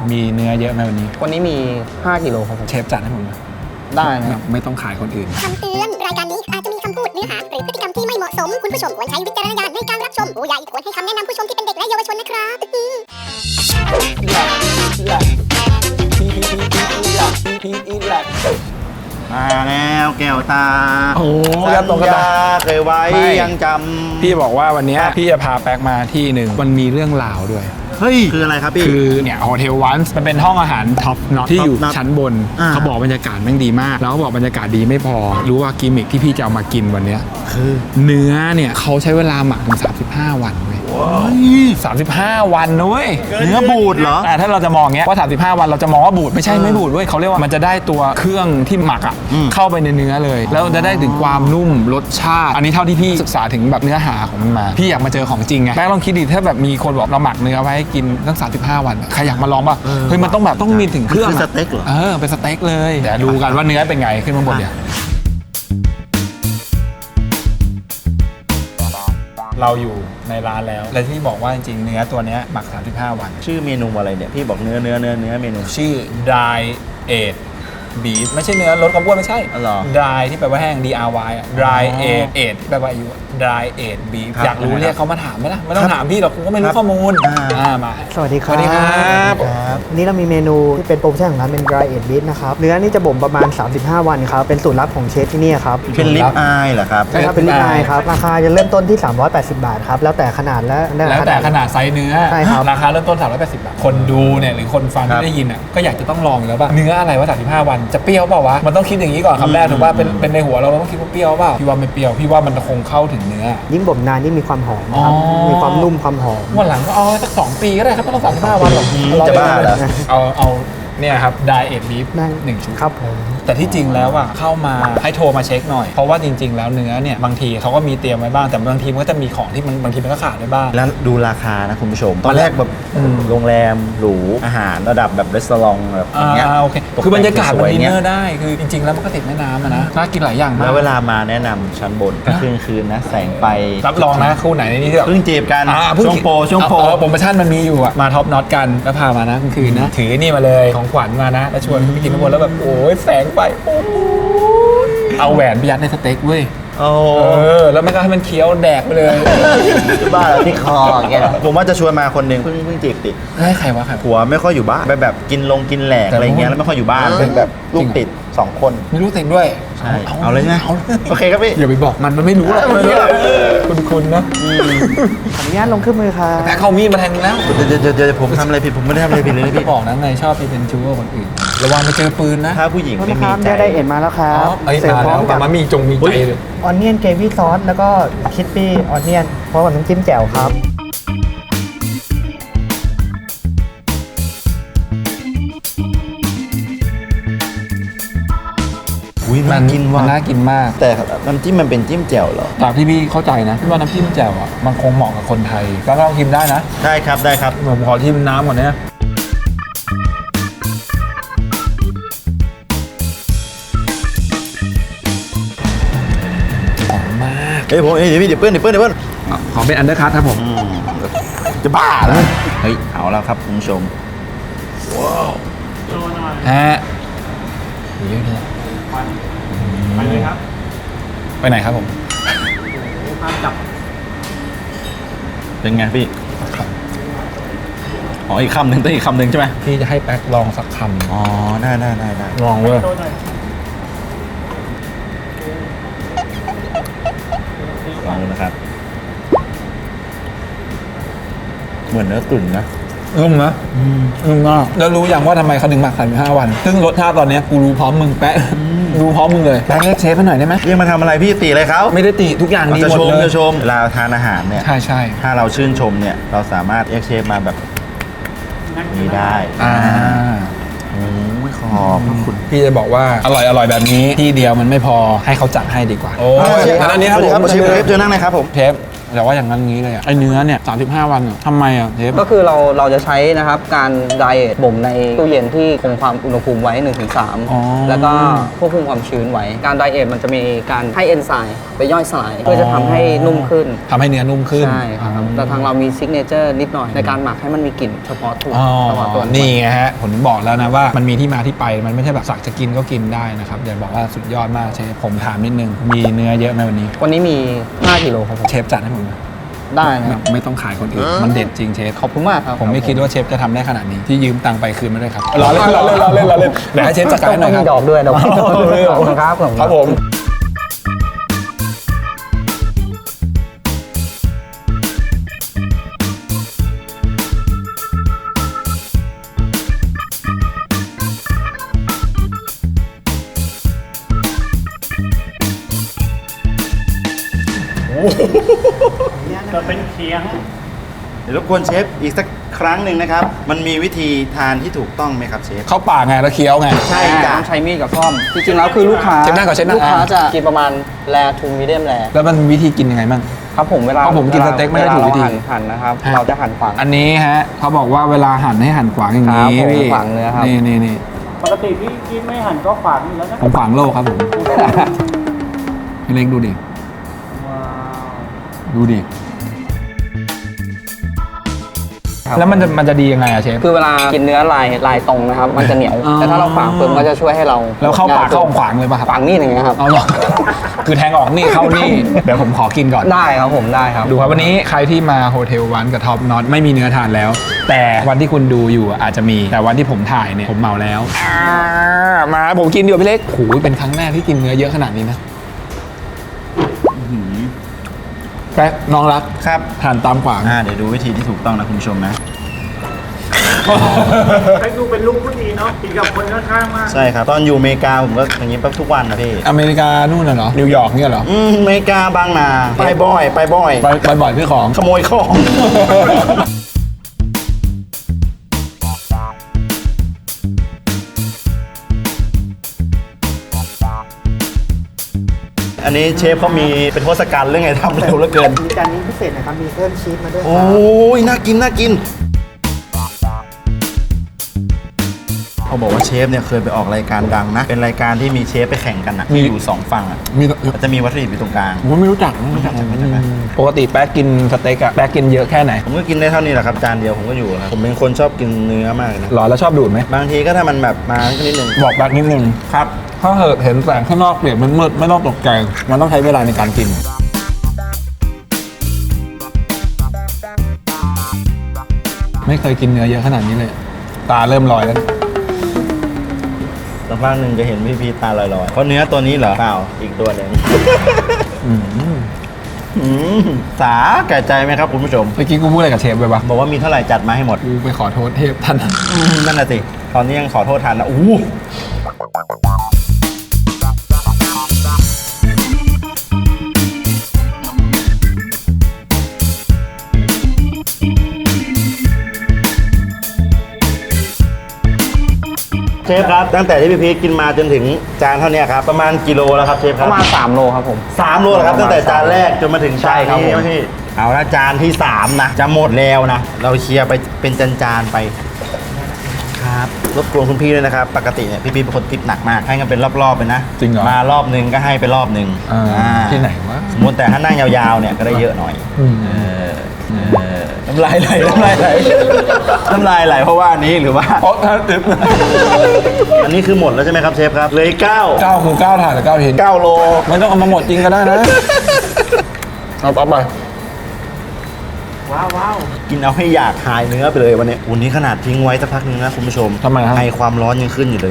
มีเนื้อเยอะไหมวันนี้วันนี้มี5กิโลครับผมเชฟจัดให้ผมนะได้นะครับไม่ต้องขายคนอื่นคำเตือน รายการนี้อาจจะมีคำพูดเนื้อหาหรือพฤติกรรมที่ไม่เหมาะสม คุณผู้ชมควรใช้วิจารณญาณในการรับชม ผู้ใหญ่ควรให้คำแนะนำผู้ชมที่เป็นเด็กและเยาวชนนะครับมาแล้วแก้วตาโอ้สัญญาเคยไว้ยังจำพี่บอกว่าวันนี้พี่จะพาแป๊กมาที่หนึ่งมันมีเรื่องราวด้วยเฮ้ยคืออะไรครับพี่คือเนี่ยโฮเทลวันส์มันเป็นห้องอาหารท็อปน็อตที่อยู่ Top Notch ชั้นบน เขาบอกบรรยากาศแม่งดีมาก แล้วเขาบอกบรรยากาศดีไม่พอ รู้ว่ากิมมิคที่พี่จะเอามากินวันเนี้ยคือเนื้อเนี่ยเขาใช้เวลาหมักถึง35 วันเว้ย35 วันนะเว้ยเนื้อบูดเหรอถ้าเราจะมองเงี้ยว่า35 วันเราจะมองว่าบูดไม่ใช่ไม่บูดเว้ยเขาเรียกว่ามันจะได้ตัวเครื่องที่หมักอ่ะเข้าไปในเนื้อเลย แล้วจะได้ถึงความนุ่มรสชาติ อันนี้เท่าที่พี่ศึกษาถึงแบบเนื้อหาของมันมาพี่อยากมาเจอของจริงไงแม่ลองคิดดิถ้าแบบมีคนบอกเราหมักเนื้อไว้ให้กินตั้ง35 วันใครอยากมาลองป่ะเฮ้ยมันต้องแบบต้องมีถึงเครื่องคือสเต็กเหรอเป็นสเต็กเลยเดี๋ยวดูกันว่าเนื้อเป็นไงขึ้นมาบนเนี่ยเราอยู่ในร้านแล้วและที่บอกว่าจริงๆเนื้อตัวเนี้ยหมัก35 วันชื่อเมนูอะไรเนี่ยพี่บอกเนื้อเมนูชื่อ dry aged beef ไม่ใช่เนื้อลดความอ้วนไม่ใช่อ๋อเหรอ dry ที่แปลว่าแห้ง DRY อ่ะ dry aged aged ที่แปลว่าอายุ dry aged beef ครับอยากรู้เรียกเขามาถามไหมล่ะไม่ต้องถามพี่หรอกกูก็ไม่รู้ข้อมูลมาสวัสดีครับสวัสดีครับวันนี้เรามีเมนูที่เป็นโปรโมชั่นของร้านเป็น dry aged beef นะครับ เนื้อนี่จะบ่มประมาณ 35 วันครับ เป็นสูตรลับของเชฟที่นี่ครับเป็นลิปอายเหรอครับใช่ครับ เป็นลิปอายครับ ราคาจะเริ่มต้นที่ 380 บาทครับ แล้วแต่ขนาดและแล้วแต่ขนาดไซส์เนื้อใช่ครับราคาเริ่มต้น380 บาท คนดูเนี่ยหรือคนฟังครับที่ได้ยินอ่ะก็อยากจะต้องลองอยู่แล้วป่ะเนื้ออะไรวะ35 วันจะเปรี้ยวเปล่าวะมันต้องคิดอย่างนี้ก่อนคำแรกถูกป่ะเป็นในหัวเราต้องคิดว่าเปรี้ยวเปล่าพี่ว่าไม่เปรี้ยวพี่ว่ามันคงเข้าถึงเนื้อยิ่งบ่มนานยิ่งมีความหอมครับอ๋อมีความนุ่มความหอมวันหลังก็เอาสัก2 ปีก็ได้ครับไม่ต้อง35 วันหรอกจะบ้าเหรอเอาเนี่ยครับ dry aged beef ได้ 1 ชุดครับผมแต่ที่จริงแล้วอ่ะเข้ามาให้โทรมาเช็คหน่อย เพราะว่าจริง ๆ แล้วเนื้อเนี่ยบางทีเขาก็มีเตรียมไว้บ้างแต่บางทีมันก็จะมีของที่มันบางทีมันก็ขาดได้บ้างแล้วดูราคานะคุณผู้ชม ตอนแรกแบบโรงแรมหรูอาหารระดับแบบรีสอร์ทแบบอย่างเงี้ยโอเคตกแต่งคือบรรยากาศสมันวยๆดินเนเงี้ยอร์ได้คือจริง ๆ แล้วมันก็ติดแม่น้ำอะนะน่ากินหลายอย่างมากแล้วเวลามาแนะนำชั้นบนก็คืนนะแสงไฟรับรองนะคู่ไหนในนี้ที่แบบเพิ่งจีบกันเพิ่ช่วงโปรโปรโมชั่นมันมีอยู่อะมาท็อปน็อตกันแล้วพามานะกลางคืนนะถือนี่มาเลยของขวัญมานะแล้วชวนไปกินข้างบนแล้วแบบโอ้ยแสงไฟโอ้ยเอาแหวนไปยัดในสเต็กเว้ยโอ้แล้วมันก็ให้มันเคี้ยวแดกไปเลยบ้าแล้วที่คอแกผมว่าจะชวนมาคนหนึ่งเพิ่งจีบติดให้ใครวะใครผัวไม่ค่อยอยู่บ้านแบบกินแหลกอะไรเงี้ยแล้วไม่ค่อยอยู่บ้านเป็นแบบลูกติด2 คนไม่รู้ติดด้วยใช่เอาเลยนะโอเคครับพี่อย่าไปบอกมันไม่รู้หรอกคุณนะขออนุญาตลงเครื่องมือครับแต่เขามีดมาแทงแล้วเดี๋ยวผมทำอะไรผิดผมไม่ได้ทำอะไรผิดเลยนะพี่บอกนะไงชอบไปเป็นชู้กับคนอื่นระวังไปเจอปืนนะถ้าผู้หญิงโทษไม่นะคมีรับใจได้เอ็นมาแล้วครัอ๋อบเสิร์ฟมาพร้อแล้วมกับมามีใจเลยออนเนียนเกรวี่ซอสแล้วก็คิดปี้ออนเนียนพร้อมกับน้ำจิ้มแจ่วครับอุ้ยมัน่ากินว่ะน่ากินมากแต่น้ำจิ้มมันเป็นจิ้มแจ่วเหรอจากที่พี่เข้าใจนะพี่ว่าน้ำจิ้มแจ่วอ่ะมันคงเหมาะกับคนไทยก็ลองชิมได้นะได้ครับได้ครับผมขอชิมน้ำก่อนเนี่ยหอมมากเฮ้ยผมเดี๋ยวพี่เดี๋ยวเปิ้ลขอเป็นอันเดอร์คัทครับผมจะบ้าแล้วเฮ้ยเอาแล้วครับคุณผู้ชมฮะเยอะเลยไปเลยครับไปไหนครับผมเป็นไงพี่อ๋ออีกคำหนึ่งต้องอีกคำหนึ่งใช่ไหมพี่จะให้แป๊กลองสักคำอ๋อได้ลองเว้ยลองดูนะครับเหมือนเนื้อตุ๋นนะนุ่มนะนุ่มมากแล้วรู้อย่างว่าทำไมเขาถึงหมัก35 วัน ซึ่งรสชาติตอนเนี้ยกูรู้พร้อมมึงแป๊ะรู้พร้อมมึงเลยแป๊กเรียกเชฟให้หน่อยได้ไหมเรียกมาทำอะไรพี่ตีเลยเขาไม่ได้ติทุกอย่างดีจะหมดชมเลยจะชมเวลาทานอาหารเนี่ยใช่ถ้าเราชื่นชมเนี่ยเราสามารถเรียกเชฟมาแบบนี้ได้ โอ้ยขอบคุณพี่จะบอกว่าอร่อยแบบนี้ที่เดียวมันไม่พอให้เขาจัดให้ดีกว่าโอ้ยอันนี้ครับผมเชฟเจอนั่งเลยครับผมเชฟแต่ว่าอย่างนั้นงี้เลยอะไอเนื้อเนี่ย35 วันอะทำไมอะเชฟก็คือเราจะใช้นะครับการไดเอทบ่มในตู้เย็นที่คงความอุณหภูมิไว้อ๋อ 1-3 แล้วก็ควบคุมความชื้นไว้ การไดเอทมันจะมีการให้เอนไซม์ไปย่อยสลายเพื่อจะทำให้นุ่มขึ้นทำให้เนื้อนุ่มขึ้นใช่ครับแต่ทางเรามีซิกเนเจอร์นิดหน่อยในการหมักให้มันมีกลิ่นเฉพาะตัวอ๋อเฉพาะตัวนี่ไงฮะผมถึงบอกแล้วนะว่ามันมีที่มาที่ไปมันไม่ใช่แบบสักจะกินก็กินได้นะครับเดี๋ยวบอกว่าสุดยอดมากเชฟผมถามนิดนึงมีเนื้อเยอะไหมวันนี้วันนี้มี 5 กิโลครับผมเชฟจัดให้ผมนะได้นะครับไม่ต้องขายคนอื่นมันเด็ดจริงเชฟขอบคุณมากครับผมไม่คิดว่าเชฟจะทำได้ขนาดนี้ที่ยืมตังค์ไปคืนมาด้วยครับรอเล่นรอเล่นรอเล่นรอเล่นเดี๋ยวให้เชฟจัดการให้หน่อยคต้รัอบ งมีดอกด้วยดอกขอบคุณครับผมครับผมจะเป็นเคียงเดี๋ยวรบกวนเชฟอีกสักครั้งหนึ่งนะครับ มันมีวิธีทานที่ถูกต้องไหมครับเชฟเข้าปากไงแล้วเคี้ยวไงใช่ใช่จ้ะต้องใช้มีดกับซ่อม จริงๆแล้วคือลูกค้าเช็ดหน้าก่อนเช็ดหน้าลูกค้าจะกินประมาณแรทูมีเดียมแรแล้วมันมีวิธีกินยังไงบ้างครับผมเวลาเพราะผมกินสเต็กไม่ได้ถูกวิธีเาหั่นนะครับฮะเราจะหั่นขวางอันนี้ฮะเขาบอกว่าเวลาหั่นให้หั่นขวางอย่างนี้ครับผมพี่ขวางเนื้อครับนี่ปกติพี่กินไม่หั่นก็ฝากอยู่แล้วนะผมขวางโลกครับผมพี่เล็กดูดิว้าวดูดิ แล้วมันจะดียังไงอะเชฟคือเวลากินเนื้อลายตรงนะครับ มันจะเหนียวอ๋อแต่ถ้าเราขวางเพิ่มก็จะช่วยให้เราแล้วเข้าปากเข้าขวางเลยป่ะครับขวางนี่อย่างเงี้ยครับเอาหรอคือแทงออกนี่เข้านี่เดี๋ยวผมขอกินก่อนได้ครับผมได้ครับดูครับวันนี้ใครที่มาโฮเทลวันกับท็อปน็อตไม่มีเนื้อทานแล้ว แต่วันที่คุณดูอยู่อาจจะมีแต่วันที่ผมถ่ายเนี่ยผมเมาแล้วมาผมกินอยู่พี่เล็กโอ้ยเป็นครั้งแรกที่กินเนื้อเยอะขนาดนี้นะแป๊กน้องรักครับทานตามขวางเดี๋ยวดูวิธีที่ถูกต้องนะคุณผู้ชมนะให้ดูเป็นลูกผู้ดีเนาะกินกับคนข้างๆมากใช่ครับ ตอนอยู่อเมริกาผมก็อย่างนี้ปั๊บทุกวันนะพี่อเมริกานู่นน่ะเหรอนิวยอร์กเนี่ยเหรออเมริกาบางนาไปบ่อยไปบ่อยเพื่อของขโมยของ อันนี้เชฟเขามีเป็นทศกัณฐ์เรื่องไงทำเร็วเหลือเกินมีจานนี้พิเศษนะครับ มีเพิ่มชีสมาด้วยคโอ้รับยน่ากินน่ากินเขาบอกว่าเชฟเนี่ยเคยไปออกรายการดังนะ เป็นรายการที่มีเชฟไปแข่งกันอะที่อยู่สองฝั่งอะมีมันจะมีวัตถุดิบอยู่ตรงกลางผมไม่รู้จักปกติแป๊กกินสเต็กอะแป๊กกินเยอะแค่ไหนผมก็กินได้เท่านี้แหละครับจานเดียวผมก็อยู่แล้วผมเป็นคนชอบกินเนื้อมากเลยนะหรอแล้วชอบดูดไหมบางทีก็ถ้ามันแบบมานิดนึงบอกแป๊กนิดนึงครับถ้าเห็นแสงข้างนอกเปลี่ยนมันมืดไม่ต้องตกใจมันต้องใช้เวลาในการกิน ไม่เคยกินเนื้อเยอะขนาดนี้เลย ตาเริ่มลอยแล้วสักพักหนึ่งจะเห็นพี่พีตาลอยๆ เพราะเนื้อตัวนี้เหรอเปล่าอีกตัวหนึ่งอืมสาแก่ใจไหมครับคุณผู้ชมเมื่อกี้กูพูดอะไรกับเชฟไปปะบอกว่ามีเท่าไหร่จัดมาให้หมดกูไปขอโทษเทพท่านนั่นน่ะสิ ตอนนี้ยังขอโทษทันนะอู้ เชฟครับ ตั้งแต่ที่พี่พีชกินมาจนถึงจานเท่านี้ครับ ประมาณกิโลแล้วครับเชฟคปรับระมาณ3 โลครับผม 3 โลแล้วครับ ตั้งแต่จานแรกจนมาถึงจานใช่ครับนี้ผมพี่เอาละจานที่ 3 นะ จะหมดแล้วนะ เราเคลียร์ไปเป็นจานๆไป ครับรบกวนคุณพี่ด้วยนะครับ ปกติเนี่ยพี่เป็นคนติดหนักมาก ให้กันเป็นรอบๆไปนะจริงเหรอมารอบนึงก็ให้ไปรอบนึงที่ไหนวะสมมติแต่ถ้านั่งยาวๆเนี่ยก็ได้เยอะหน่อยอืมน้ำลายไหลน้ำลายไหลน้ำลายไหลเพราะว่าอันนี้หรือว่าเพราะถ้าติดอันนี้คือหมดแล้วใช่ไหมครับเชฟครับเหลย9 9คือ9ถาดหรือ9ชิ้น 9 โลไม่ต้องเอามาหมดจริงก็ได้นะ เอาไปว้าวกินเอาให้อยากหายเนื้อไปเลยวันนี้วันนี้ขนาดทิ้งไว้สักพักนึงนะคุณผู้ชมทำไมครับไอความร้อนยังขึ้นอยู่เลย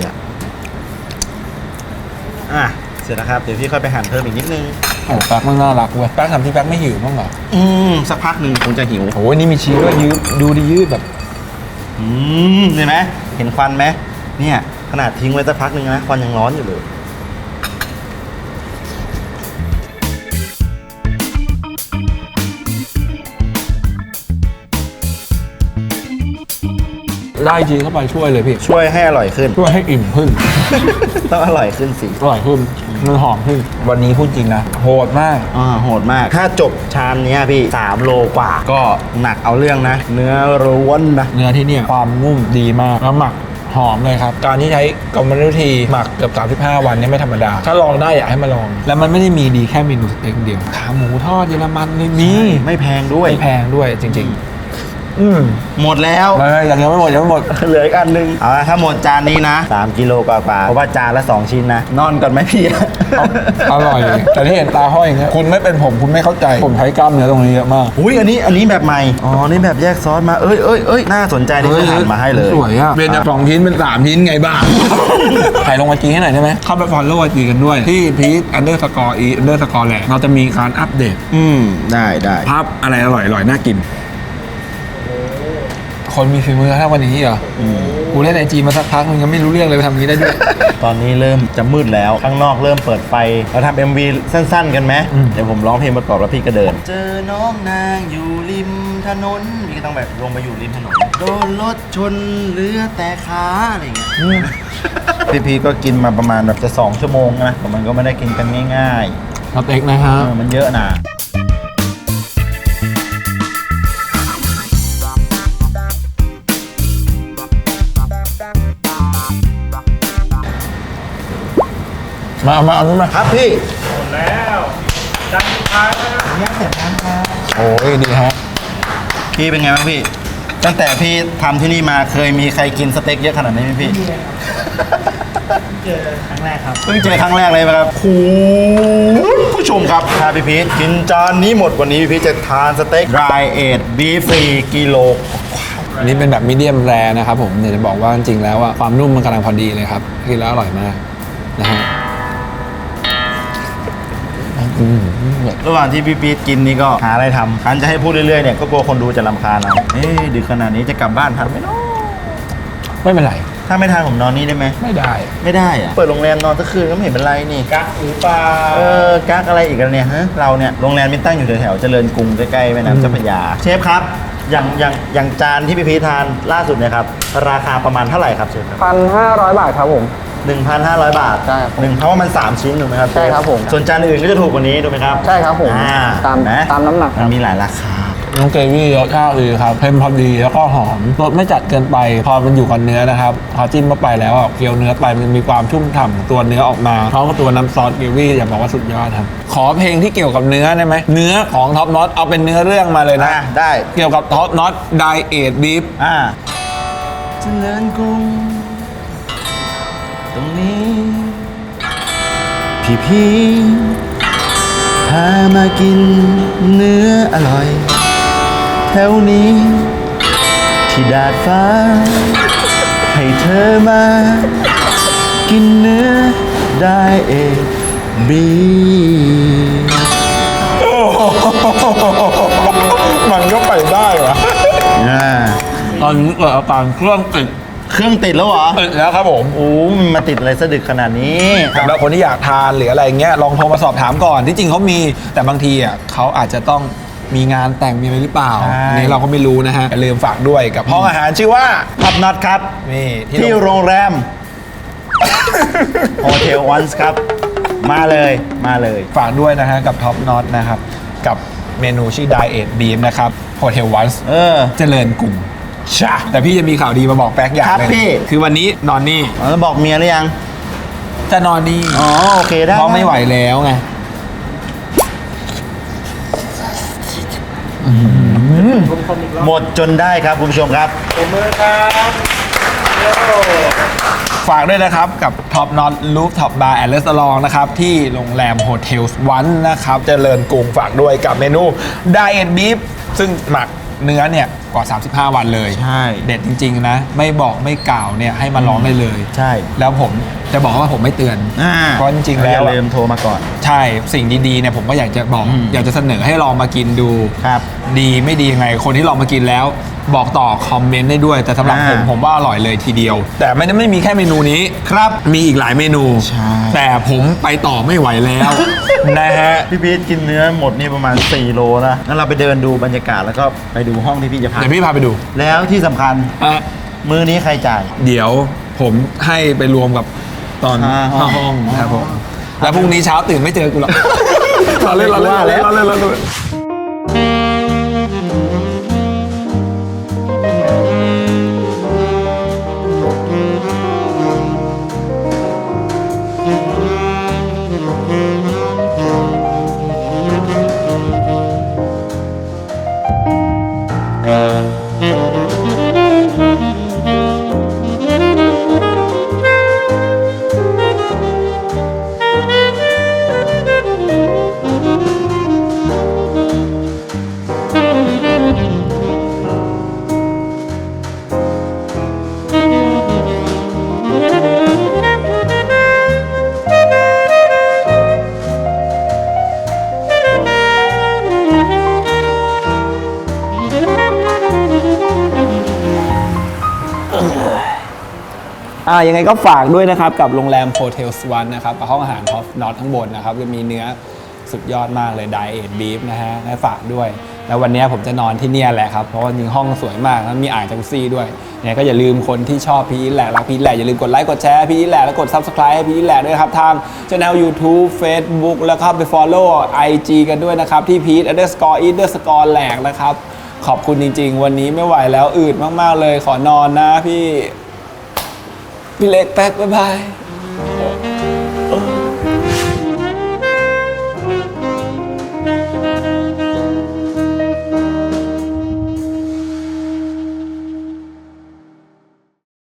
เสร็จแล้วครับเดี๋ยวพี่ค่อยไปหั่นเพิ่มอีกนิดนึงโอ้แป๊กมันน่ารักเว้ยแป๊กทำที่แป๊กไม่หิวบ้างเหรอสักพักหนึ่งคงจะหิวโอ้ยนี่มีชีสด้วยยืดดูดิยืดแบบเห็นไหมเห็นควันไหมเนี่ยขนาดทิ้งไว้สักพักหนึ่งนะควันยังร้อนอยู่เลยได้จีเข้าไปช่วยเลยพี่ช่วยให้อร่อยขึ้นช่วยให้อิ่มขึ้นต้องอร่อยขึ้นสิอร่อยขึ้นมันหอมขึ้น วันนี้พูดจริงนะโหดมากโหดมาก ถ้าจบชามเนี้ยพี่3 โลกว่า ก็หนักเอาเรื่องนะ เนื้อล้วนนะเนื้อที่เนี่ยความนุ่มดีมากแล้วหมักหอมเลยครับ การที่ใช้กรรมวิธีหมักเกือบ35 วันเนี่ยไม่ธรรมดา ถ้าลองได้อยากให้มาลอง แล้วมันไม่ได้มีดีแค่เมนูสเต็กเดียวขาหมูทอดเยอรมันเลยมีไม่แพงด้วยไม่แพงด้วยจริงๆหมดแล้วยังไม่หมดยังไม่หมดเหลืออีกอันนึงเอาละถ้าหมดจานนี้นะ3 กิโลกว่าๆเพราะว่าจานละ2 ชิ้นนะ นอนก่อนไหมพี่อร่อย แต่ที่เห็นตาห้อยอย่างเงี้ยคุณไม่เป็นผมคุณไม่เข้าใจผมใช้กล้ามเนื้อตรงนี้เยอะมากอุ้ยอันนี้แบบใหม่ อ๋อ นี่แบบแยกซอสมา เอ้ย น่าสนใจนี่จะหั่นมาให้เลยสวยอ่ะเป็นจาก2 ชิ้นเป็น3 ชิ้นไงบ้าง ถ่ายลงไอจีให้หน่อยได้ไหมเข้าไปฟอลโล่ไอจีกันด้วยที่พีท_e__แหละเราจะมีการอัปเดตได้ภาพอะไรอร่อยน่ากิน คนมีฝีมือถ้าวันนี้เหรอกูเล่นไอจีมาสักพักมึงยังไม่รู้เรื่องเลยไปทำอย่างนี้ได้ด้วยตอนนี้เริ่มจะมืดแล้ว ข้างนอกเริ่มเปิดไฟ เราทำ MV สั้นๆ กันไหม เดี๋ยวผมร้องเพลงประกอบแล้วพี่ก็เดิน เจอน้องนางอยู่ริมถนน พี่ก็ต้องแบบลงไปอยู่ริมถนน โดนรถชนเหลือแต่ขาอะไรอย่างเงี้ย พี่ก็กินมาประมาณแบบจะ2 ชั่วโมงนะแต่มันก็ไม่ได้กินกันง่ายสเต็กนะครับๆมันเยอะนะมาเอานู้นมาครับพี่หมดแล้วจานสุดท้ายแล้วนะโอ้ยดีฮะพี่เป็นไงบ้างพี่ ตั้งแต่พี่ทำที่นี่มาเคยมีใครกินสเต็กเยอะขนาดนี้ไหมพี่เจอครั้งแรกครับเพิ่งเจอครั้งแรกเลยครับคุณผู้ชมครับถ้าพี่พีทกินจานนี้หมดวันนี้พี่พีทจะทานสเต็ก dry aged beef 4 กิโลอันนี้เป็นแบบมีเดียมแรนะครับผมอยากจะบอกว่าจริงๆแล้วอะความนุ่มมันกำลังพอดีเลยครับกินแล้วอร่อยมากนะฮะระหว่างที่พี่พีทกินนี่ก็หาอะไรทำคันจะให้พูดเรื่อยๆเนี่ยก็กลัวคนดูจะรำคาญเอาดึกขนาดนี้จะกลับบ้านทันไหมเนาะไม่เป็นไรถ้าไม่ทันผมนอนนี่ได้ไหมไม่ได้ไม่ได้อะเปิดโรงแรมนอนสักคืนก็ไม่เห็นเป็นไรนี่กักหรือเปล่ากักอะไรอีกแล้วเนี่ยฮะเราเนี่ยโรงแรมมินตั้งอยู่แถวๆเจริญกรุงใกล้ๆแม่น้ำเจ้าพระยาเชฟครับอย่างจานที่พี่พีททานล่าสุดเนี่ยครับราคาประมาณเท่าไหร่ครับเชฟครับ 1,500 บาทครับผม 1,500 บาทใช่ครับเพราะว่ามัน 3 ชิ้นถูกไหมครับใช่ครับผมส่วนจานอื่นก็จะถูกกว่านี้ถูกไหมครับใช่ครับผม ตามนะตามน้ำหนักคมัรับนมีหลายราคาน้องเกวี่รสชาติดีครับเค็มพอดีแล้วก็หอมรสไม่จัดเกินไป พอมันอยู่กับเนื้อนะครับพอจิ้มเข้าไปแล้วอะเคี้ยวเนื้อไปมันมีความชุ่มฉ่ำตัวเนื้อออกมาพร้อมกับตัวน้ำซอสเกวี่อย่าบอกว่าสุดยอดครับขอเพลงที่เกี่ยวกับเนื้อได้ไหมเนื้อของท็อปน็อตเอาเป็นเนื้อเรื่องมาเลยนะได้เกี่ยวกับท็อปน็อตไดเอทบีฟเจริญกรุงตรงนี้ พี่พามากินเนื้ออร่อย แถวนี้ ที่ดาดฟ้า ให้เธอมา กินเนื้อได้เองบีมันก็ไปได้วะตอนนี้เกิดอาการเครื่องติดเครื่องติดแล้วเหรอติดแล้วครับผมโอ้มันมาติดอะไรสะดึกขนาดนี้สำหรับคนที่อยากทานหรืออะไรเงี้ยลองโทรมาสอบถามก่อนที่จริงเขามีแต่บางทีอ่ะเขาอาจจะต้องมีงานแต่งมีอะไรหรือเปล่าใช่อันนี้เราก็ไม่รู้นะฮะอย่าลืมฝากด้วยกับห้องอาหารชื่อว่าท็อปน็อตครับนี่ที่โรงแรม โฮเทลวันส์ครับ มาเลยฝากด้วยนะฮะกับท็อปน็อตนะครับกับเมนูชื่อ Diet Beef นะครับ Hotel Once เจริญกรุงชะแต่พี่จะมีข่าวดีมาบอกแป๊กอย่างครับหนึงพี่คือวันนี้นอนนี่แล้วบอกเมียหรือยังจะนอนนี่อ๋อ โอเคได้เพราะไม่ไหวแล้วไงหมดจนได้ครับคุณผู้ชมครับฝากด้วยนะครับกับ Top Not Rooftop Bar and Restaurant นะครับที่โรงแรม Hotel One นะครับเจริญกรุงฝากด้วยกับเมนู Diet Beef ซึ่งหมักเนื้อเนี่ยกว่า 35 วันเลยใช่เด็ดจริงๆนะไม่บอกไม่กล่าวเนี่ยให้มาลองได้เลยใช่แล้วผมจะบอกว่าผมไม่เตือน เพราะจริงๆแล้วอย่าลืมโทรมาก่อนใช่สิ่งดีๆเนี่ยผมก็อยากจะบอก อยากจะเสนอให้ลองมากินดูครับดีไม่ดียังไงคนที่ลองมากินแล้ว บอกต่อคอมเมนต์ได้ด้วย แต่สำหรับผมว่าอร่อยเลยทีเดียว แต่ไม่มีแค่เมนูนี้ครับมีอีกหลายเมนูใช่แต่ผมไปต่อไม่ไหวแล้ว นะฮะพี่พีทกินเนื้อหมดนี่ประมาณ 4 โลนะงั้นเราไปเดินดูบรรยากาศแล้วก็ไปดูห้องที่พี่จะพักเดี๋ยวพี่พาไปดูแล้วที่สำคัญอ่ะมือนี้ใครจ่ายเดี๋ยวผมให้ไปรวมกับตอนค่าห้องห้องครับผมแล้วพรุ่งนี้เช้าตื่นไม่เจอกูหรอกเราเล่นเราเล่นเราเล่นเราเล่นเราเล่นยังไงก็ฝากด้วยนะครับกับโรงแรมโฮเทลสวรรค์นะครับห้องอาหารท็อปนอตข้างบนนะครับจะมีเนื้อสุดยอดมากเลยไดเอทบีฟนะฮะให้ฝากด้วยแล้ววันนี้ผมจะนอนที่เนี่ยแหละครับเพราะว่าจริงห้องสวยมากแล้วมีอ่างจักรุซี่ด้วยเนี่ยก็อย่าลืมคนที่ชอบพีทแหละรักพีทแหละอย่าลืมกดไลค์กดแชร์พีทแหละแล้วกด Subscribe ให้พีทแหละด้วยครับทางช่อง YouTube Facebook แล้วก็ไป Follow IG กันด้วยนะครับที่พีท_eat_ แหลกนะครับขอบคุณจริงๆวันนี้ไม่ไหวแล้วอืดมากๆเลยขอนอนนะพี่เล็กแป๊กบ๊ายบาย